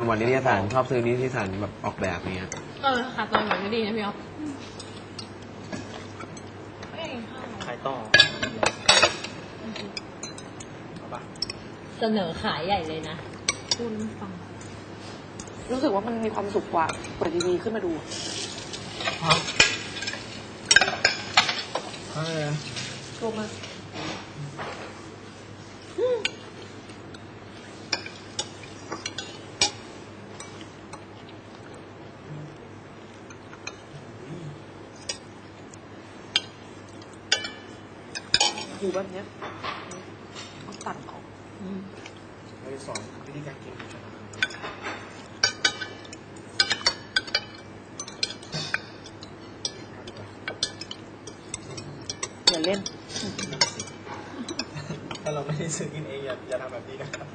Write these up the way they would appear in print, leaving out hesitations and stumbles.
วันนิตยสารชอบซื้อนิตยสารแบบออกแบบเนี้ยค่ะตอนหน่อยไม่ดีนะพี่อ๊อฟขายต่อเอาปะเสนอขายใหญ่เลยนะคุณฟังรู้สึกว่ามันมีความสุขกว่าเปิดทีวีขึ้นมาดูกลัวมากหูแบบเนี้ยต้องตัดออกเราจะสอนวิธีการกินอย่าเล่นถ้าเราไม่ได้ซื้อกินเองอย่าทำแบบนี้นะครับ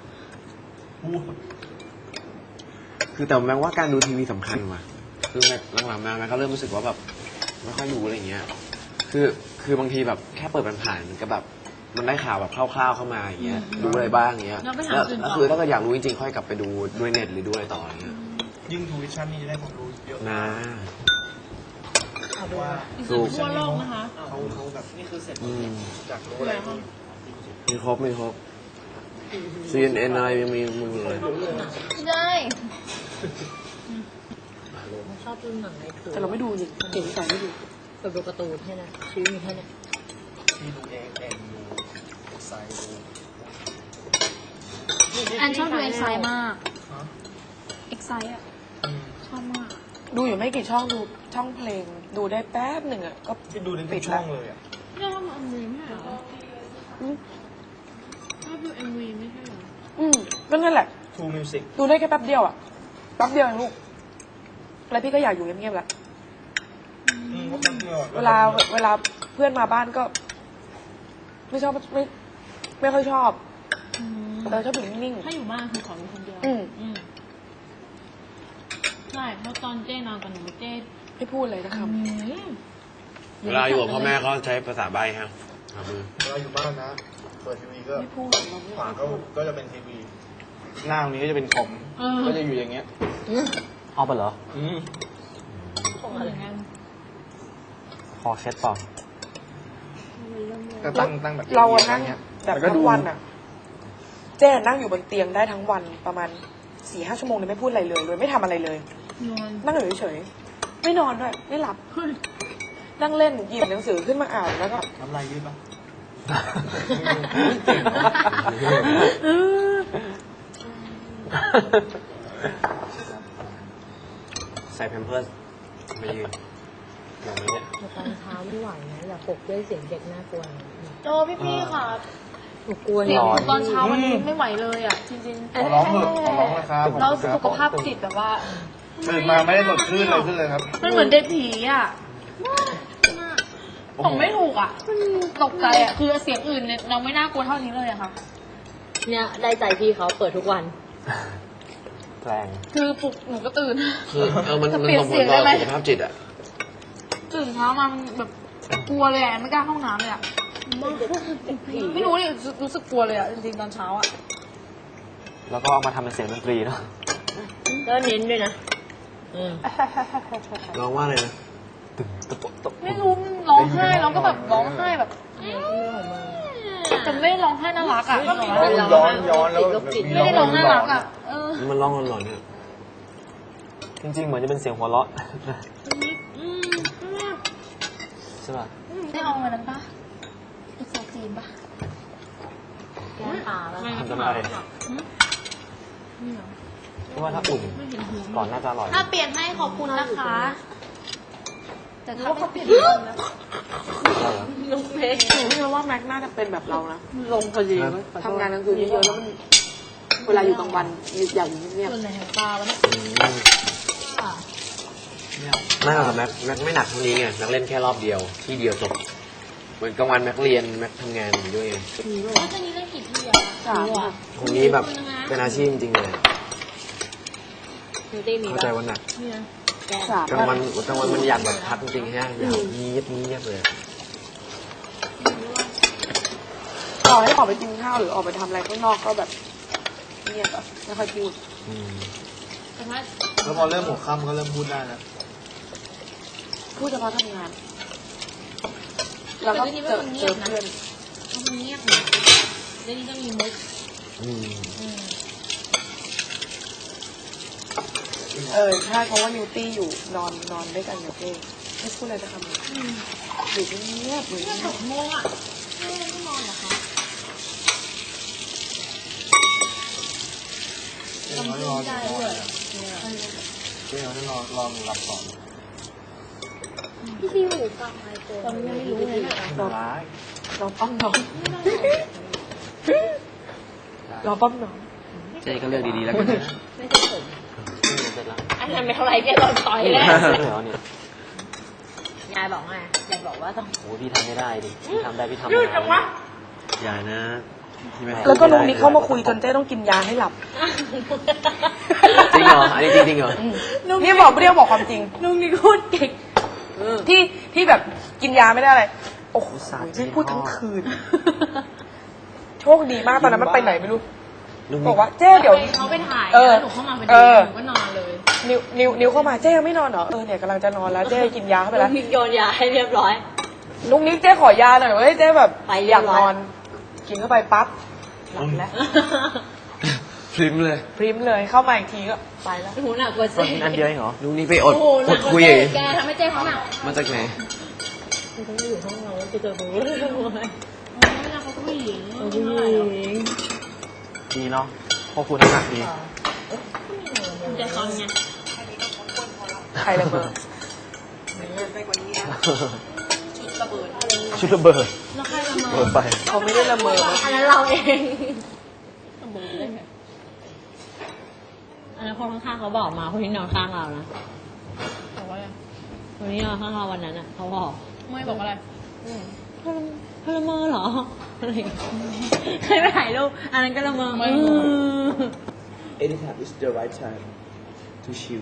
คือแต่แม้ว่าการดูทีวีสำคัญว่ะคือหลังๆมาแม่ก็เริ่มรู้สึกว่าแบบไม่ค่อยดูอะไรเงี้ยคือบางทีแบบแค่เปิดผ่านๆก็แบบมันได้ข่าวแบบคร่าวๆเข้ามาอย่างเงี้ยดูอะไรบ้างอย่างเงี้ยแล้วคือถ้าเกิดอยากรู้จริงๆค่อยกลับไปดูด้วยเน็ตหรือดูอะไรต่ออย่างเงี้ยยิ่งดูวิชั่นนี่จะได้ความรู้เยอะนะว่าทั่วโลกนะคะเขาแบบนี่คือเสร็จจากรู้อะไรมีครบCNN อะไรยังมีมึงเลยได้ชอบดูหนังในคืนแต่เราไม่ดูจริงเก่งใจไม่ดูแบบดูการ์ตูนแค่นั้นชีวิตมีแค่นี้ที่ดูเองดูไซดูอันชอบดูเอ็กไซมากเอ็กไซอ่ะชอบมากดูอยู่ไม่กี่ช่องดูช่องเพลงดูได้แป๊บหนึ่งอ่ะก็ดูในทุกช่องเลยอ่ะชอบดูเอ็มวีไม่ใช่เหรอชอบดูเอ็มวีไม่ใช่เหรอก็นั่นแหละ True Music ดูได้แค่แป๊บเดียวอ่ะแป๊บเดียวเองลูกแล้วพี่ก็อยากอยู่เงียบๆแหละเวลาเพื่อนมาบ้านก็ไม่ชอบไม่ค่อยชอบเราชอบอยู่นิ่งๆถ้าอยู่บ้านคือขออยู่คนเดียวใช่เพราะตอนเจ้นอนกับหนูเจ้ไม่พูดเลยนะครับเวลาอยู่กับพ่อแม่เขาใช้ภาษาใบ้ฮะเวลาอยู่บ้านนะเปิดทีวีก็ไม่พูดขวาก็จะเป็นทีวีหน้าตรงนี้ก็จะเป็นคอมก็จะอยู่อย่างเงี้ยเอาไปเหรอของอะไรงั้นคอเช็ดต่อก็ตั้งแบบเรานั่งแบบทั้งวันอ่ะเจ๊นั่งอยู่บนเตียงได้ทั้งวันประมาณ 4-5 ชั่วโมงเลยไม่พูดอะไรเลยโดยไม่ทำอะไรเลยนั่งอยู่เฉยๆไม่นอนด้วยไม่หลับนั่งเล่นหยิบหนังสือขึ้นมาอ่านแล้วก็ทำอะไรยืดปะใส่แพมเพิร์สไม่ยืนอย่างนี้เนี่ยตอนเช้าไม่ไหวนะอย่าปลุกด้วยเสียงเด็กน่ากลัวโอ้พี่ค่ะหนูกลัวเสียงตอนเช้ามันไม่ไหวเลยอ่ะจริงๆขอร้องเถอะขอร้องนะครับเราสุขภาพจิตแบบว่าตื่นมาไม่ได้สดชื่นเลยขึ้นเลยครับมันเหมือนเด็กผีอ่ะผมไม่ถูกอ่ะตกใจอ่ะคือเสียงอื่นเนี่ยเราไม่น่ากลัวเท่านี้เลยอะค่ะเนี่ยได้ใจพี่เขาเปิดทุกวันแรงคือปลุกหนูก็ตื่นคือมันส่งผลต่อสุขภาพจิตอ่ะตื่นเช้ามามันแบบกลัวเลยอ่ะไม่กล้าเข้าห้องน้ำเลยอ่ะไม่รู้เลยรู้สึกกลัวเลยอ่ะจริงๆตอนเช้าอ่ะแล้วก็เอามาทำเป็นเสียงดนตรีเนาะก็เน้นด้วยนะร้องว่าอะไรนะไม่รู้ร้องไห้แล้วก็แบบร้องไห้แบบแต่ไม่ร้องไห้น่ารักอ่ะย้อนแล้วไม่ได้ร้องน่ารักอ่ะมันร้องหลอนๆเนี่ยจริงๆเหมือนจะเป็นเสียงหัวเราะใช่ป่ะได้เอาอะไรนั้นปะอีกโซจีนปะแก้ตาแล้วทำอะไรเพราะว่าถ้าอุ่นก่อนน่าจะอร่อยถ้าเปลี่ยนให้ขอบคุณนะคะแต่ถ้าเขาเปลี่ยนแล้วลุงเมย์หนูคิดว่าแม็กน่าจะเป็นแบบเรานะลงพอดีทำงานกลางคืนเยอะๆแล้วมันเวลาอยู่กลางวันอย่างนี้เนี่ยส่วนไหนของตาแล้วไม่หรอกแม็กไม่หนักเท่านี้ไงแม็กเล่นแค่รอบเดียวที่เดียวจบเหมือนกลางวันแม็กเรียนแม็กทำงานอยู่ด้วยไงแล้วตอนนี้เล่นกี่ที่อ่ะตรงนี้แบบเป็นอาชีพจริงๆเลยเข้าใจว่าหนักกลางวันมันอยากแบบพักจริงๆฮะอยากเงียบเลยต่อให้ออกไปกินข้าวหรือออกไปทำอะไรข้างนอกก็แบบเงียบแบบไม่ค่อยพูดแต่ถ้าแล้วพอเริ่มหัวค่ำก็เริ่มพูดได้แล้วพูดเฉพาะทำงาน แล้วก็เจอเพื่อนมันเงียบนะเดี๋ยวนี้ก็มีมุกใช่เพราะว่านิวตี้อยู่นอนด้วยกันกับเจ๊ไม่พูดอะไรจะคำเลยอยู่เงียบๆอยู่เพื่อนเงีหยบกโมงอ่ะไม่นอนเหรอคะเดี๋ยวรอได้ด้วยเดี๋ยวรอหลับก่อนพี่ซีหูฟังไมโครตอนนี้ไม่รู้เลยนะร้ายรอป้อมน้องรอป้อมน้องเจ๊ก็เลือกดีๆแล้วกันนะไม่ใช่ผมเสร็จแล้วอันนั้นไม่เท่าไรแกโดนต่อยแล้วเดี๋ยวนี่ยายบอกไงยายบอกว่าต้องโอ้พี่ทำไม่ได้ดิพี่ทำได้พี่ทำยืดจังวะอย่านะที่ไม่แล้วก็ลุงนี้เข้ามาคุยจนเจ๊ต้องกินยาให้หลับจริงเหรอ อันนี้จริงๆเหรอนี่บอกเปรี้ยวบอกความจริงลุงนี่พูดเก่งที่แบบกินยาไม่ได้อะไร โอ้โหเจ๊พูดทั้งคืน โชคดีมากตอนนั้นมันไปไหนไม่รู้ บอกว่าเจ๊เดี๋ยวเขาไปถ่ายเออแล้วหนูเข้ามาพอดีเออหนูก็นอนเลยนิวเข้ามาเจ๊ยังไม่นอนเหรอเนี่ยกำลังจะนอนแล้วเจ๊กินยาเข้าไปลุแล้วงนี่โยนยาให้เรียบร้อยลุงนี้เจ๊ขอยาหน่อยเว้ยเจ๊แบบไปเรีอย ยาบกร้อยนอน กินเข้าไปปั๊บหลับแล้วพริมเลยพริมเลยเข้ามาอีกทีก็ไปแล้วหูหนักกว่าเจ๊อันเดียวเองเหรอลุงนี่ไปอดโอ้โหหนักกคุว่าย เจ๊อย่างงี้แกทำให้เจ๊เขาหนักมาจากไหนคือต้องอยู่ห้องเราจะเจอหูเลยไม่นะเขาก็ผู้หญิงผู้หญิงดีเนาะพวกคุณน้ำหนักดีเจ๊คอนไงใครระเบิดชุดระเบิดแล้วใครละเมอเปิดไปเขาไม่ได้ละเมอนะอันนั้นเราเองละเมอได้ไงอันนั้นคนข้างๆเขาบอกมาคนที่นอนข้างเรานะบอกว่าอะไรคนที่นอนข้างเราวันนั้นอ่ะเขาบอกไม่บอกอะไรพลเมืองเหรออะไรอย่างเงี้ยเคยไปถ่ายรูปอันนั้นก็ละเมอไม่ Anytime is the right time to chill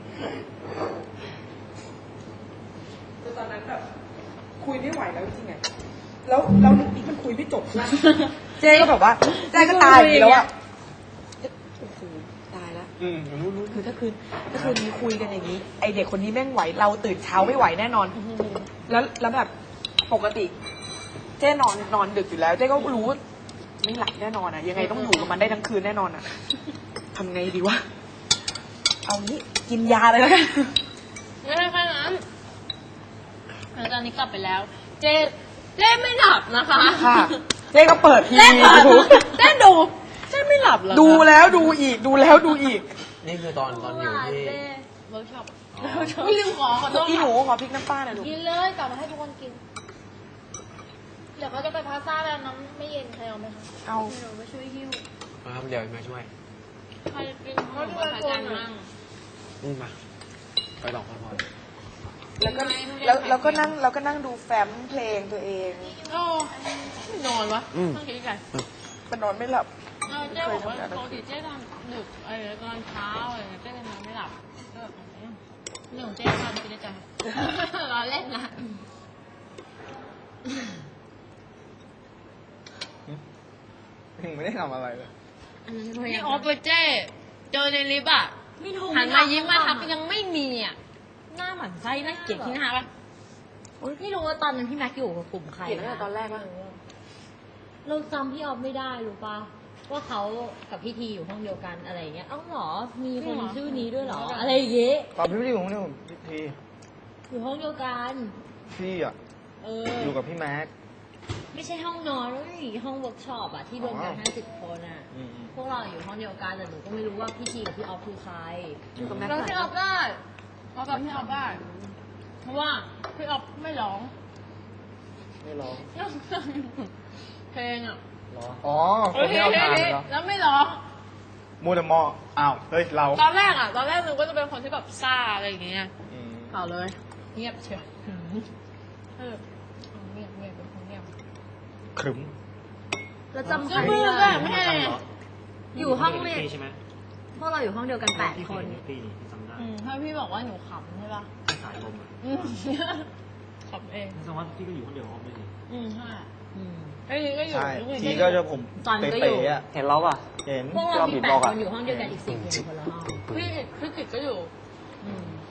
คือตอนนั้นแบบคุยไม่ไหวแล้วจริงไงแล้วลุงนี้มันคุยไม่จบใช่ไหมเจ๊ก็แบบว่าเจ๊ก็ตายอยู่แล้วอะโอ้โหตายแล้วรู้คือถ้าคืนนี้คุยกันอย่างนี้ ไอเด็กคนนี้แม่งไหว เราตื่นเช้าไม่ไหวแน่นอน แล้วแบบปกติ เจ๊นอนดึกอยู่แล้ว เจ๊ก็รู้ว่าไม่หลับแน่นอนอะยังไงต้องอยู่กับมันได้ทั้งคืนแน่นอนอะทำไงดีวะ เอางี้กินยาเลยแล้วกันไม่ใช่แค่นั้นแล้วตอนนี้กลับไปแล้ว เจ๊เล่นไม่หลับนะคะค่ะ เจ๊ก็เปิดทีเล่นวีดูเล่นดูเจ๊ไม่หลับเหรอคะดูแล้วดูอีกดูแล้วดูอีกนี่คือตอนอยู่ที่เวิร์กช็อปไม่ลืมขอโทษอีหนูค่ะขอพริกน้ำปลาหน่อยลูกกินเลยกลับมาให้ทุกคนกิน เดี๋ยวเขาจะไปพาสต้าแล้วน้ำไม่เย็นใครเอาไหมคะเอาหนูไปช่วยหิ้วมาครับเดี๋ยวมาช่วยใครกินเขาจะไปกันมั่งมาไปต่อพอแล้วก็นั่งดูแฟ้มเพลงตัวเองโอ้ไม่นอนวะต้องคิดกันมันนอนไม่หลับเจ๊บอกว่าปกติเจ๊นอนดึกตอนเช้าอะไรเจ๊จะนอนไม่หลับก็แบบเรื่องของเจ๊ตอนกินได้ใจรอเล่นนะถึงไม่ได้ทำอะไรเลยพี่ออฟกับเจ๊เจอในลิฟต์อ่ะไม่ถูกหันมายิ้มมาทักยังไม่มีอ่ะหน้าหมันไส้น่าเกลียดที่หน้าปะไม่รู้ว่าตอนนั้นพี่แม็กอยู่กับกลุ่มใครเห็นตั้งแต่ตอนแรกปะเราจำพี่ออฟไม่ได้รู้ปะว่าเขากับพี่ทีอยู่ห้องเดียวกันอะไรอย่างเงี้ยเอ้าเหรอ มีคนชื่อนี้ด้วยเหรอ อะไรอย่างเงี้ยตอนพี่ไม่ได้อยู่ห้องเดียวกับพี่อยู่ห้องเดียวกันพี่อ่ะเออยู่กับพี่แม็กไม่ใช่ห้องนอนไม่ใช่ห้องเวิร์กช็อปอะที่รวมกันอ๋อ 50 คนอะอืมพวกเราอยู่ห้องเดียวกันแต่หนูก็ไม่รู้ว่าพี่ทีกับพี่ออฟคือใครอยู่กับแม็กเราซ์พี่ออฟได้เรากับพี่ออฟได้เพราะว่าพี่ออฟไม่ร้องไม่ร้องเพลงอ่ะอ๋อคนที่เอาทานเหรอแล้วไม่ร้องมูแต่มออ้าว เฮ้ย เราตอนแรกนึกว่าจะเป็นคนที่แบบซ่าอะไรอย่างเงี้ยอืมเปล่าเลย เงียบเชียวเงียบเป็นคนเงียบครึ้มแล้วจำใคก็รมืไม่อได้แบบไม่ให้อยู่ห้องเรียนพวกเราอยู่ห้องเดียวกัน8 คนถ้าพี่บอกว่าหนูขำใช่ป่ะสายลมขำเองแสดงว่าพี่ก็อยู่คนเดียวห้องไม่ดีใช่อืมไอ้นี่ก็อยู่ใช่ไอ้ทีนี่ก็ก็อจะยู่ผมตอนก็อยู่เป๋ๆอ่ะเห็นเราป่ะเห็นพวกเรามีที่แปเราดบีบบอกคอะนอยู่ห้องเดียวกันอีก10คนอยู่คนละห้องพี่คือจิตก็อยู่อืม